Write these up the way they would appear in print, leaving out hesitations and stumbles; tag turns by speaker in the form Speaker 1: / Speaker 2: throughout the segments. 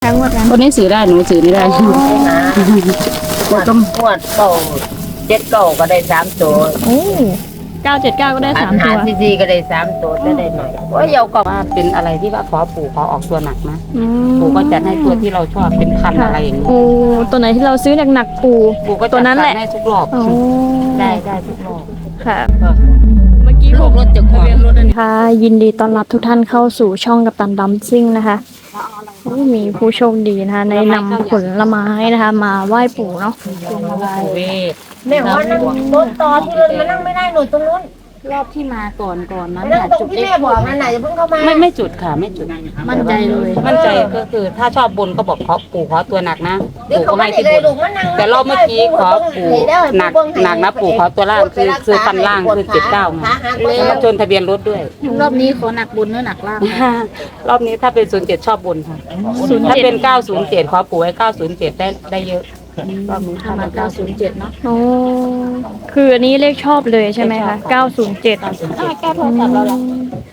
Speaker 1: ทั้งหมดนั้น
Speaker 2: คนนี้สื่อได้หนูสื่อไม่ได้
Speaker 3: งวดเก่า7 เก่าก็ได้3 ตัว
Speaker 1: โอ้979ก็ได้3 ตัว
Speaker 3: ซีก็ได้3 ตัวได้หน่อยโอ้ยเยาก็
Speaker 2: ว่าเป็นอะไรที่ว่าขอปู่ขอออกตัวหนักนะ
Speaker 1: อืม
Speaker 2: ปู่ก็จัดให้ตัวที่เราชอบเป็นพันอะไรอย่างนี้
Speaker 1: โอ้ตัวไหนที่เราซื้อหนักๆปู
Speaker 2: ปู่ก็
Speaker 1: ตั
Speaker 2: จั
Speaker 1: ว
Speaker 2: ด
Speaker 1: นั้นแหละ
Speaker 2: ให้ทุกรอบ
Speaker 1: โอ้
Speaker 2: ได้ทุกรอบ
Speaker 1: ค่ะ เมื่อกี้
Speaker 2: ลูกรถจะขวางรถอันนี้
Speaker 1: ค่ะยินดีต้อนรับทุกท่านเข้าสู่ช่องกัปตันดัมซิ่งนะคะโอ้มีผู้โชคดีนะคะในนำผลไม้นะคะ มาไหว้ปู่เนาะ
Speaker 2: เวท
Speaker 3: แม่ว่านั่งรถต่อที่รถมานั่งไม่ได้หนูตรงนู้น
Speaker 2: รอบที่มาก่อนนั้น
Speaker 3: นั่งตรงที่แม่บอกนั่นไหนจะเพิ่งเข้ามา
Speaker 2: ไม่จุดค่ะไม่จุดมั่นใจเลยมั่นใจก็คือถ้าชอบบนก็บอกขอปู่ขอตัวหนักนะ
Speaker 3: เดี๋ยว
Speaker 2: ปู่
Speaker 3: เขา
Speaker 2: ก็
Speaker 3: ไม่
Speaker 2: ให้
Speaker 3: ได้
Speaker 2: ที่
Speaker 3: เลย
Speaker 2: บ
Speaker 3: ลู
Speaker 2: น
Speaker 3: กมานั่ง
Speaker 2: แต่รอบเมื่อกี้ขอปู่หนักนะปู่ขอตัวล่างคือคันล่างคือ79ไงแล้วมาชนทะเบียนรถด้วย
Speaker 4: รอบนี้ขอหนักบุญหรือหนักล่าง
Speaker 2: รอบนี้ถ้าเป็น07ชอบบนค่ะถ้าเป็น907ขอปู่ไว้907ได้เยอะรอบนี้
Speaker 4: ถ้ามา907เนาะ
Speaker 1: โอ้คืออันนี้เลขชอบเลยใช่ไหมคะ907
Speaker 4: แก้โทรศัพท์เราหรอ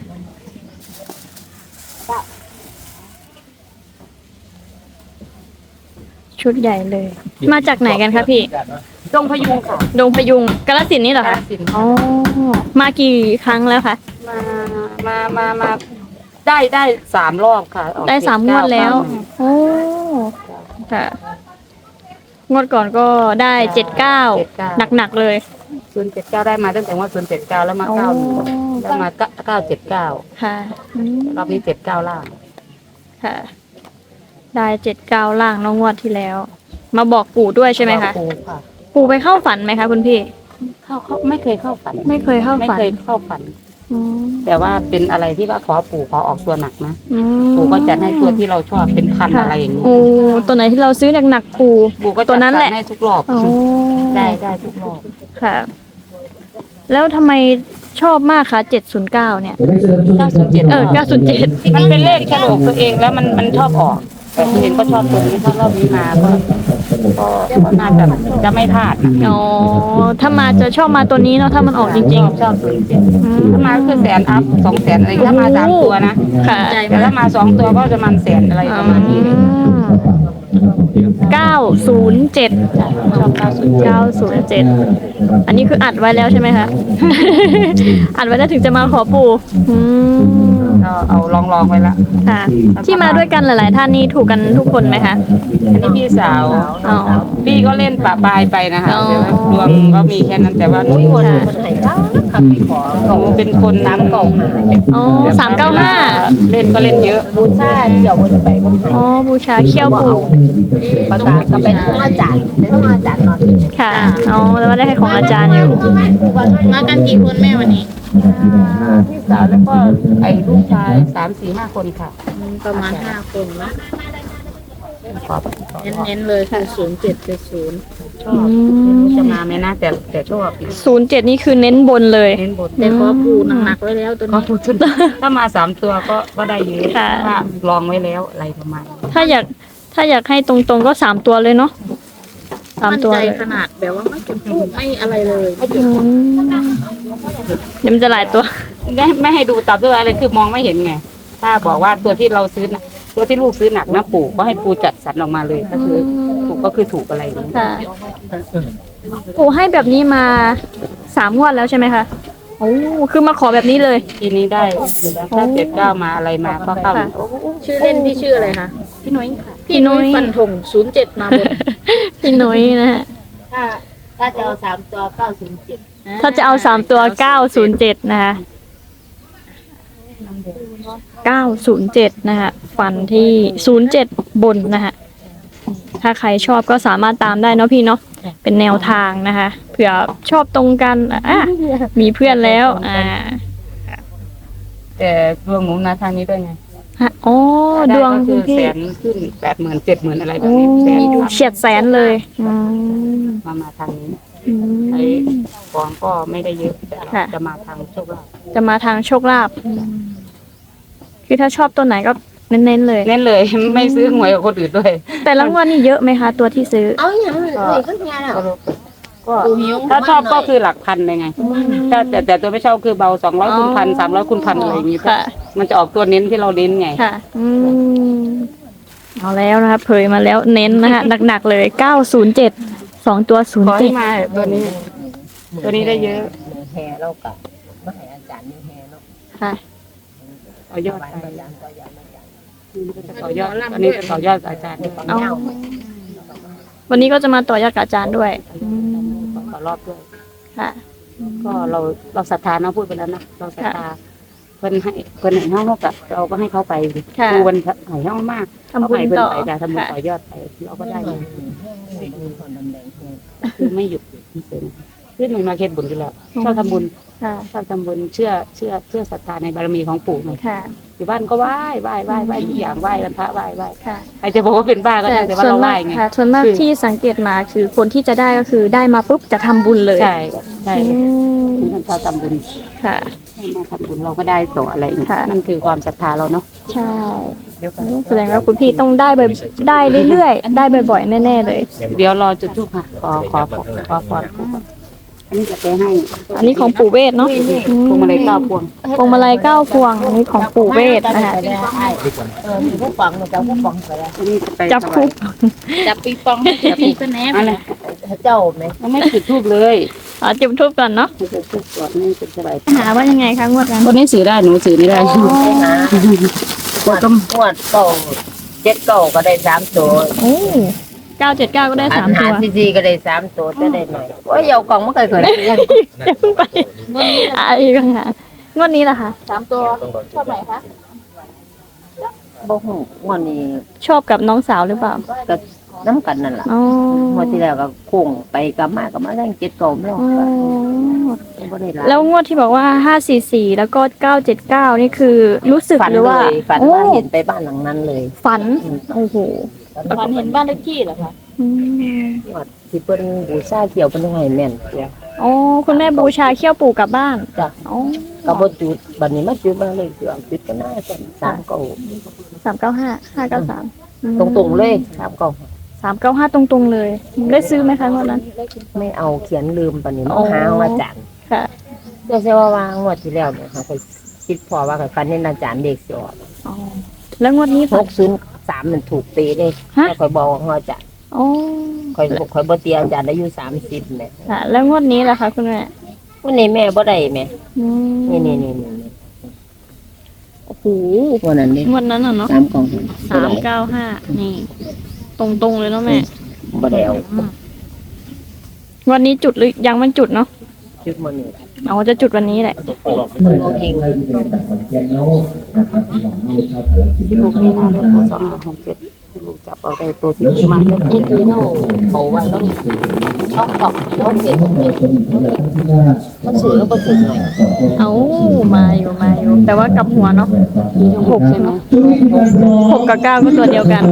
Speaker 1: ชุดใหญ่เลย มาจากไหนกันคะพี่
Speaker 2: จงพยุงค่ะ
Speaker 1: ดงพยุงกาฬสินธุ์นี่เหรอคะ
Speaker 2: กาฬสินธุ์
Speaker 1: อ๋อมากี่ครั้งแล้วคะ
Speaker 2: มาได้3 รอบค่ะออก
Speaker 1: ได้3 งวดแล้ว โอ้ค่ะ งวดก่อนก็ได้79หนักๆเลย
Speaker 2: 079ได้มาตั้งแต่ว่า079แล้วมา
Speaker 1: โอ้
Speaker 2: 91แล้วมา979
Speaker 1: ค่ะอืม
Speaker 2: รอบนี้79ล่าง
Speaker 1: ค่ะ ได้79ล่างน้องงวดที่แล้ว มาบอกปู่ด้วยใช่ไหมคะ
Speaker 2: ปู่ค่ะ
Speaker 1: ปู่ไปเข้าฝันไหมคะคุณพี่
Speaker 2: เขาไม่เคยเข้าฝัน
Speaker 1: ไม่เคยเข้า
Speaker 2: ไม่
Speaker 1: ฝัน
Speaker 2: เคยเข้าฝัน
Speaker 1: อืม
Speaker 2: แต่ว่าเป็นอะไรที่ว่าขอปู่ขอออกตัวหนักนะ
Speaker 1: อืม
Speaker 2: ปู่ก็จัดให้ตัวที่เราชอบเป็นพันอะไรอย่างนี้
Speaker 1: โอ้ตัวไหนที่เราซื้อหนักๆปู่
Speaker 2: ปู่ก็
Speaker 1: ตั
Speaker 2: จั
Speaker 1: ว
Speaker 2: ด
Speaker 1: นั้นแหละ
Speaker 2: ให้ทุกรอบ
Speaker 1: โอ้
Speaker 2: ได้ทุกรอบ
Speaker 1: ค่ะ แล้วทำไมชอบมากคะ709เนี่ย
Speaker 2: 907
Speaker 1: 907
Speaker 2: มันเป็นเลขโฉลกตัวเองแล้วมันชอบออกแต่ตัวเองก็ชอบตัวนี้ถ้ารอบนี้มาก็น่าจะไม่พลาดนะ
Speaker 1: อ๋อ ถ้ามาจะชอบมาตัวนี้เนาะ ถ้ามันออกจริง
Speaker 2: ชอบตัวนี้
Speaker 1: ๆอืม
Speaker 2: ถ้ามาก็คือ100,000 อัพ 200,000อะไรถ้ามา3 ตัวนะ
Speaker 1: ค่ะ
Speaker 2: แต่ถ้ามา2 ตัวก็จะมัน100,000อะไรประมาณนี้เลย
Speaker 1: 907
Speaker 2: ชอบ
Speaker 1: 907
Speaker 2: 907
Speaker 1: อันนี้คืออัดไว้แล้วใช่ไหมคะ อัดไว้แล้วถึงจะมาขอปู่อืม
Speaker 2: ก็เอาลองไว้ละ
Speaker 1: ค่ะ ที่มาด้วยกันหลาย ๆ ท่านนี่ถูกกันทุกคนไหมคะ
Speaker 2: อันนี้พี่สาว
Speaker 1: อ๋อ
Speaker 2: พี่ก็เล่นปะปายไปนะคะ
Speaker 1: อ๋อ
Speaker 2: แต่ว่าดวงก็มีแค่นั้นแต่ว่าหนู
Speaker 3: คนไหนก็ขับไปขอ
Speaker 2: หนูเป็นคนน้ำเก่า
Speaker 1: อ๋อ395
Speaker 2: เล่นก็เล่นเยอะ
Speaker 3: บูชาเดี๋ยวมันจะไปก็
Speaker 1: อ๋อ บูชาเขี้ยวปู่
Speaker 3: ประกาศก็ไปต้องอาจารย์นอน
Speaker 1: ค่ะ อ๋อ แล้วก็ได้ให้ของอาจารย์อยู่
Speaker 4: มากันกี่คนแม่วันนี้
Speaker 2: พี่สาวแล้วก็ไอ้ลูกชาย3-4-5 คนค่ะ
Speaker 4: ประมาณ5 คนนะเน้นๆเลยคือ0770
Speaker 2: ชอบจะมาไหมนะแต่ชอบ
Speaker 1: 07 นี่คือเน้นบนเลย
Speaker 2: เน้นบท
Speaker 4: แต่ขอปูหนักๆไว้แล้วตัว
Speaker 2: ก็
Speaker 4: นี้
Speaker 2: ถูกชุดถ้ามา3 ตัวก็ได้เยอะ
Speaker 1: ค่ะ
Speaker 2: ถ้าลองไว้แล้วอะไรประมาณนี้
Speaker 1: ถ้าอยากให้ตรงๆก็3 ตัวเลยเนาะ
Speaker 4: มั่น
Speaker 1: 3 ตัว
Speaker 4: ใจ
Speaker 1: เลย
Speaker 4: ขนาดแบบว่าไม่จุดทูบไม่อะไรเลย
Speaker 1: อืมเดี๋ยวมันจะหลายตัว
Speaker 2: ไม่ให้ดูตับด้วยอะไรคือมองไม่เห็นไงถ้าบอกว่าตัวที่เราซื้อนะตัวที่ลูกซื้อหนักนะปู่ก็ให้ปู่จัดสรรออกมาเลยก็คือถูกก็คือถูกอะไรอย่างนี้
Speaker 1: ค่ะปู่ให้แบบนี้มา3 งวดแล้วใช่ไหมคะโอ้คือมาขอแบบนี้เลย
Speaker 2: ทีนี้ได้ถ้า79มาอะไรมาก็เข้า
Speaker 1: ค่ะ
Speaker 4: ชื่อเล่นพี่ชื่ออะไรคะ
Speaker 2: พี่น้อยค่ะ
Speaker 1: พี่นุ้ย
Speaker 4: ฟันธง07มาบน
Speaker 1: พี่นุ้ยนะฮะ
Speaker 3: ถ้าจะเอา3 ตัว907
Speaker 1: ถ้าจะเอา3 ตัว 907 นะคะ 907 นะคะฟันที่ 07 บนนะคะถ้าใครชอบก็สามารถตามได้เนาะพี่เนาะ เป็นแนวทางนะคะ เผื่อชอบตรงกันมีเพื่อนแล้ว
Speaker 2: แต่ดวงหนูนะทางนี้ด้วยไง
Speaker 1: อ๋อ ดวง
Speaker 2: ก็คื
Speaker 1: คุณ
Speaker 2: อ
Speaker 1: พี่
Speaker 2: แสนขึ้น80,000 70,000อะไรแบ
Speaker 1: โอ้
Speaker 2: บนี้แสนครับ
Speaker 1: เฉียดแสนเลยอืม
Speaker 2: มาทางนี้
Speaker 1: อื
Speaker 2: ไอ้
Speaker 1: ม
Speaker 2: ฟองก็ไม่ได้เยอะแต่
Speaker 1: ค่ะ
Speaker 2: จะมาทางโชคลาภ
Speaker 1: จะมาทางโชคลาภคือถ้าชอบตัวไหนก็เน้นๆเลย
Speaker 2: เน้นเลย ไม่ซื้อหวยกับคนอื่นด้วย
Speaker 1: แต่รางวัลนี่เยอะไหมคะ ตัวที่ซื้อ
Speaker 3: เอาอย่างนี้ขึ้นงานแล้ว
Speaker 2: ก็ถ้าชอบก็คือหลักพันเลยไงแต่ตัวไม่ชอบคือเบา200 คูณ 1,000 300 คูณ 1,000อะไรอย่างงี้
Speaker 1: ค่ะ
Speaker 2: มันจะออกตัวเน้นที่เราเน้นไง
Speaker 1: ค่ะ อืมเอาแล้วนะคะเผยมาแล้วเน้นนะคะหนักๆเลย907 2ตัว
Speaker 2: ขอให้มาตัวนี้ ตัวนี้ได้เยอะ
Speaker 3: แห่เรากับมาให้อาจารย์นี่แห่เนาะ
Speaker 1: 07ค่ะ
Speaker 2: ต่อยอด
Speaker 3: ไป
Speaker 2: ไป
Speaker 3: ยามต่อยามอาจารย์
Speaker 2: จะต่อยอดอันนี้จะต่อยอดอาจารย์ด้วย
Speaker 1: เอาวันนี้ก็จะมาต่อยอดกับอาจารย์ด้วยอืม
Speaker 2: ต่อรอบด้วย
Speaker 1: ค่ะ
Speaker 2: ก็เราศรัทธานะพูดไปแล้วนะเราศรัทธาเพิ่นให้เพิ่นให้เฮากับเราก็ให้เขาไปดิ
Speaker 1: ค่ะ
Speaker 2: ครูมันให้เฮามาก
Speaker 1: ทำบุญ
Speaker 2: เขาให้เพิ่น
Speaker 1: ต่อ
Speaker 2: ไปได้ทำบุญ
Speaker 1: ค่ะ
Speaker 2: ต่อยอดไปเราก็ได้
Speaker 3: มีคนดำแดงแห่
Speaker 2: คือไม่หยุดคือหนึ่งมาเฮ็ดบุญอยู่แล้วชอบทำบุญ
Speaker 1: ค่ะ
Speaker 2: ชอบทำบุญเชื่อศรัทธาในบารมีของปู่ไง
Speaker 1: ค่ะ
Speaker 2: อยู่บ้านก็ไหว้ทุกอย่างไหว้วันพระไหว้
Speaker 1: ค่ะ
Speaker 2: ใครจะบอกว่าเป็นบ้าก็ได้แต่ว่า
Speaker 1: ส่วน
Speaker 2: เราไหว้
Speaker 1: มาก
Speaker 2: ไง
Speaker 1: ค่ะส่วนมาก
Speaker 2: คือ
Speaker 1: ที่สังเกตมาคือคนที่จะได้ก็คือได้มาปุ๊บจะทำบุญเลย
Speaker 2: ใช่ใช่
Speaker 1: อืม
Speaker 2: ท่านชอบทำบุญ
Speaker 1: ค่ะ
Speaker 2: ให้มาทำบุญเราก็ได้ต่ออะไรอย่างเงี้ย
Speaker 1: ค่ะ
Speaker 2: นั่นคือความศรัทธาเราเนาะ
Speaker 1: ใช่แสดงว่าคุณพี่ต้องได้บ่อยได้เรื่อยๆได้บ่อยๆแน่ๆเลย
Speaker 2: เดี๋ยวรอจุดทูปค่ะขอพรปู่ก่อนอันนี้จะไปให้
Speaker 1: อันนี้ของปู่เวทเนาะ
Speaker 2: พวงมาลัย9 พวง
Speaker 1: พวงมาลัย9 พวงอันนี้ของปู่เวทนะคะ
Speaker 3: มีผู้ฟังมันจะผู้ฟังไปแล้ว
Speaker 2: อันนี้จะไป
Speaker 1: จับคู่
Speaker 4: จับปีปองให้พี่ก็แนบ
Speaker 2: อะไร
Speaker 3: เจ้าไหม
Speaker 2: ยังไม่จุดทูบเลย
Speaker 1: จุดทูบก่อนเนาะ
Speaker 2: จุดทูบก่อนนี่เป็นสบาย
Speaker 1: หาว่ายังไงคะงวดนั้น
Speaker 2: คนนี้สื่อได้หนูสื่อไม่ได้
Speaker 3: ไปหาหวดเก่า7 เก่าก็ได้3 ตัว
Speaker 1: โอ้979ก็ได้3 ตัว
Speaker 3: ซีก็ได้3 ตัวจะได้หน่อยโอ้ยเอากล่องมาเคยเลย
Speaker 1: อย่าเพิ่งไปอีกครั้งค่ะงวดนี้ล่ะคะ
Speaker 4: 3 ตัวชอบไหนคะ
Speaker 3: บ่ฮู้วันนี้
Speaker 1: ชอบกับน้องสาวหรือเปล่า
Speaker 3: ก็น้ำกันนั่นล่ะ
Speaker 1: อ๋อ
Speaker 3: เมื่อที่แล้วก็โค้งไปกลับมาได้7 เก่าแล้ว
Speaker 1: อ๋อ
Speaker 3: บ่ได้หลาย
Speaker 1: แล้วงวดที่บอกว่า544แล้วก็979นี่คือรู้สึก
Speaker 3: ฝัน
Speaker 1: หรือ
Speaker 3: เล
Speaker 1: ว่าย
Speaker 3: ฝัน
Speaker 1: โอ้
Speaker 3: ว่าเห็นไปบ้านหลังนั้นเลย
Speaker 1: ฝันโอ้โห
Speaker 4: ฝันเห็นบ้านเลขที่เหรอคะ
Speaker 1: อืม
Speaker 3: ว่าที่เพิ่นบูชาเขียวเพิ่นให้แม่นตัว
Speaker 1: อ๋อคุณแม่บูชาเขี้ยวปู่กลับบ้าน
Speaker 3: จ้ะ
Speaker 1: อ๋อ
Speaker 3: ก็บ่จุดบัดนี้มาจุดมาเลยจุดก็น่าจะ3 เก่า
Speaker 1: 395 593
Speaker 3: ตรงๆเลย3 เก่า
Speaker 1: 395ตรงๆเลย ได้ซื้อไหมคะงวดนั้น
Speaker 3: ไม่เอาเขียนลืมบัดนี้
Speaker 1: อ๋อ
Speaker 3: มาหาอาจารย์
Speaker 1: ค่ะ
Speaker 3: เดี๋ยวเสียว่าวางงวดที่แล้วเนี่ยค่ะเคยคิดพอว่าเคยฟันนี่อาจารย์เด็กสิออก
Speaker 1: อ๋อแล้วงวดนี้ฝัน
Speaker 3: 603มันถูกตีเลย
Speaker 1: ฮะ
Speaker 3: แล้วคอยบอกว่าอาจารย์
Speaker 1: อ๋อ
Speaker 3: คอยบ่เตียอาจารย์อายุ30แม่
Speaker 1: ค่ะ แล้วงวดนี้ล่ะคะคุณแม่
Speaker 3: วันนี้แม่บ่ได้แม่
Speaker 1: อืม
Speaker 3: นี่
Speaker 1: โอ้โห
Speaker 3: วันนั้นนี่
Speaker 1: งวดนั้นอ่ะเนาะ
Speaker 3: 3 กล่อง
Speaker 1: 395นี่ ตรงๆเลยเนาะแม่
Speaker 3: บ่ได้เอา
Speaker 1: วันนี้จุดหรือยังมันจุดเนาะ
Speaker 3: จุดมื้อนี้
Speaker 1: อ๋อจะจุดวันนี้แหละ
Speaker 3: มันบ่เก่ง
Speaker 2: ที่ลูกนี่นะลูก267ที่ลูกจับเอาได้ตัวที่ดีมาก
Speaker 3: นี่คือเนาเอาไว้ต้องชอบตอกต้องเก็บมันซื้อแล้วบ่ถึงหน่อย
Speaker 1: เอามาอยู่แต่ว่ากลับหัวเนาะ6ใช่ไหม6กับ9ก็ตัวเดียวกัน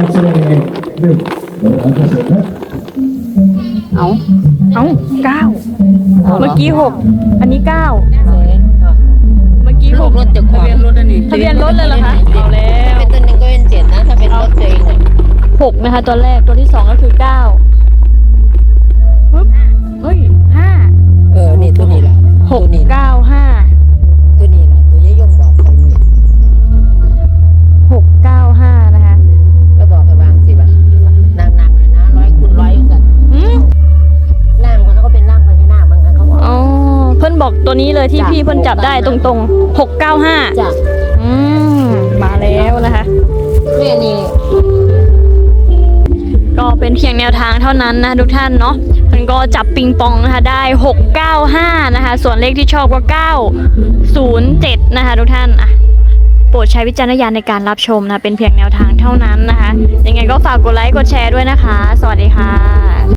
Speaker 2: เอา
Speaker 1: เอ้า9เมื่อกี้6อันนี้9เมื่อกี้
Speaker 3: ลูกรถจะขวาง
Speaker 2: รถอันนี้
Speaker 1: ทะเบียนรถเลยเหรอคะเอาแล้ว
Speaker 3: เป็นตัวหนึงก็เป็น7นะถ้าเป็นรถตัวเองเนี่ย
Speaker 1: 6นะคะตัวแรกตัวที่2ก็คือ9ปึ๊บเฮ้ย5
Speaker 3: นี่ตัวนี้แหละ
Speaker 1: 6 9 5
Speaker 3: ตัวนี้แหละตัวยายยงบอกไปนี่
Speaker 1: 695นะคะ
Speaker 3: แล้วบอกไปวางสิว่านางๆเนี่ยนะ100 คูณ 100อยู่กัน
Speaker 1: อืม
Speaker 3: ร่างคนนั้นก็เป็นร่างพญานาคเหมือนกันเขาบอก
Speaker 1: อ๋อเพิ่นบอกตัวนี้เลยที่พี่เพิ่นจับได้ตรงๆ695
Speaker 3: จ้ะ
Speaker 1: อืมมาแล้วนะคะ
Speaker 3: แม่นี่
Speaker 1: ก็เป็นเพียงแนวทางเท่านั้นนะทุกท่านเนาะมันก็จับปิงปองนะคะได้695นะคะส่วนเลขที่ชอบก็907นะคะทุกท่านอ่ะโปรดใช้วิจารณญาณในการรับชมนะเป็นเพียงแนวทางเท่านั้นนะคะยังไงก็ฝากกดไลค์กดแชร์ด้วยนะคะ สวัสดีค่ะ